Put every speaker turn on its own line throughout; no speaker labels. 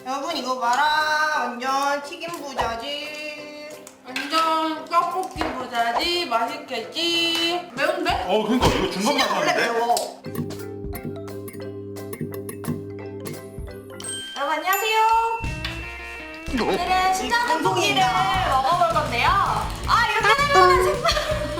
여러분 이거 봐라. 완전 튀김 부자지.
완전 떡볶이 부자지. 맛있겠지. 매운데?
그러니까 이거 중간
진짜 원래
맛인데.
매워.
여러분 안녕하세요. 오늘은 신전 떡볶이를 먹어볼 건데요. 이렇게 되면 생각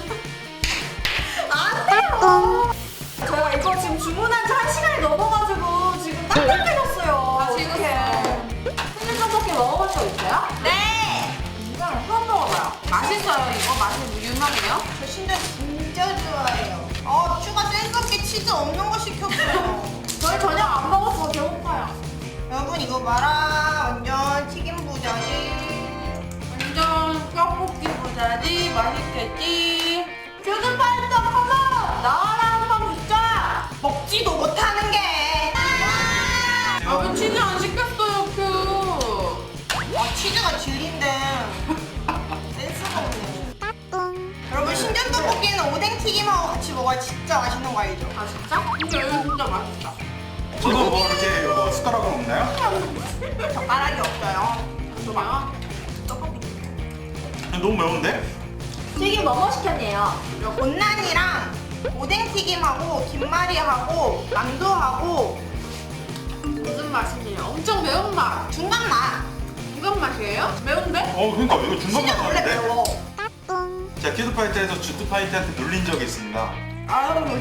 안 돼요. 저희가 이거 지금 주문한 지 1시간이 넘어가지고 지금 깜짝해졌어요.
지금
신전 떡볶이 먹어본 적 있어요?
네.
처음 먹어봐요.
맛있어요. 이거 맛이 유명해요?
저 신전 진짜 좋아해요. 추가 센스 없게 치즈 없는 거 시켰어요.
저희 저녁 안 먹어서 배고파요.
여러분 이거 봐라. 완전 튀김 부자지.
완전 떡볶이 부자지. 맛있겠지.
큐드파이터 한번 나와라 한번 붙자.
먹지도 못하는 게.
여러분 치즈 안 시켰어요, 큐.
치즈가 진리인데 센스가 없네. 여러분 신전 떡볶이는 오뎅 튀김하고 같이 먹어야 진짜 맛있는 거 알죠?
아 진짜? 근데 이거 진짜 맛있다.
저도 뭐 이렇게 숟가락으로 먹나요?
젓가락이 없어요.
좋아요.
떡볶이.
너무 매운데?
튀김 뭐뭐 시켰네요.
온난이랑 오뎅 튀김하고 김말이하고 만두하고
무슨 맛이에요? 엄청 매운 맛.
중간 맛.
중간 맛이에요? 매운데?
그러니까 이거 중간
진짜 원래
맛인데.
매워.
제가 퀴즈파이터에서 주트파이터한테 놀린 적이 있습니다.
아유.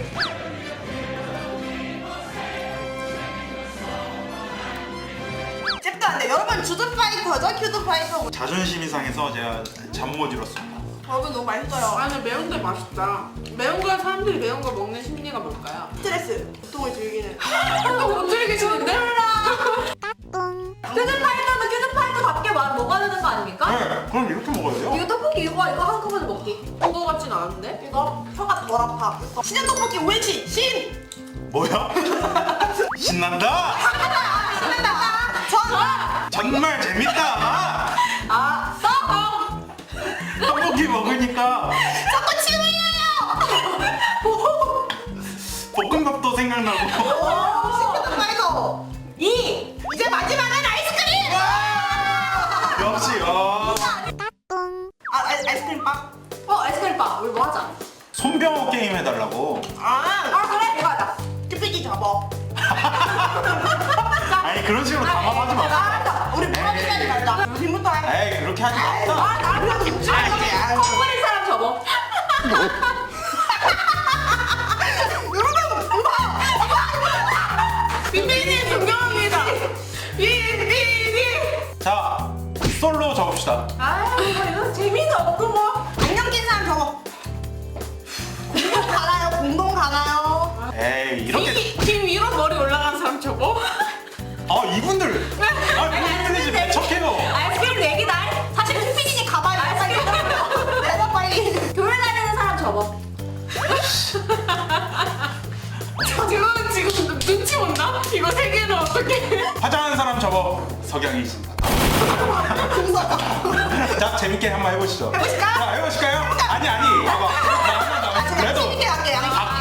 잽도 안 돼. 여러분 주드파이터죠? 큐드파이터.
자존심이 상해서 제가 잠 못 이뤘습니다.
여러분 너무 맛있어요.
아니 매운데 맛있다. 매운 거 사람들이 매운 거 먹는 심리가 뭘까요?
스트레스, 고통을 즐기는.
못 즐기시는데?
큐드파이터는 큐드파이터답게 먹어야 되는 거 아닙니까?
네, 그럼 이렇게 먹어야 돼요?
이거 떡볶이 이거 한꺼번에 먹기.
그거 같진 않은데?
이거 혀가 덜 아파. 신전 떡볶이 옳지. 신.
뭐야? 신난다?
신난다. 전.
정말 재밌다. 떡볶이 먹으니까
자꾸 침 흘려요.
볶음밥도 생각나고.
큐드파이터. 이제 마지막은 아이스크림.
역시
아이스크림 빵.
아이스크림 바 우리 뭐 하자?
손병호 게임 해달라고.
그래 그거 하자.
큐피디 접어.
아니 그런 식으로 담아하지 마.
알았다. 우리 뭐라도 하지 말자. 지금부터 해.
에이 그렇게 하지 마.
나랑 김치.
컵버린 사람 접어.
빈빈이 존경합니다. 빈빈이.
자 솔로 적읍시다.
이거 재미도 없고 뭐.
안경 낀 사람 접어. 공동 가나요? 공동 가나요?
에이 이렇게.
김 위로 머리 올라간 사람 저거?
이분들. 이분들이 지금 배척해요.
아이스크림 내기다.
사실 큐피디니 가봐요. 내가 빨리.
교회 다니는 사람 접어.
지금 눈치 온다? 이거 세 개는 어떻게?
화장하는 사람 접어. 석양이지. 자 재밌게 한번 해보시죠.
해보실까요?
자 해보실까요? 아니 봐봐. 나 하나 더.
제가 재밌게 할게요.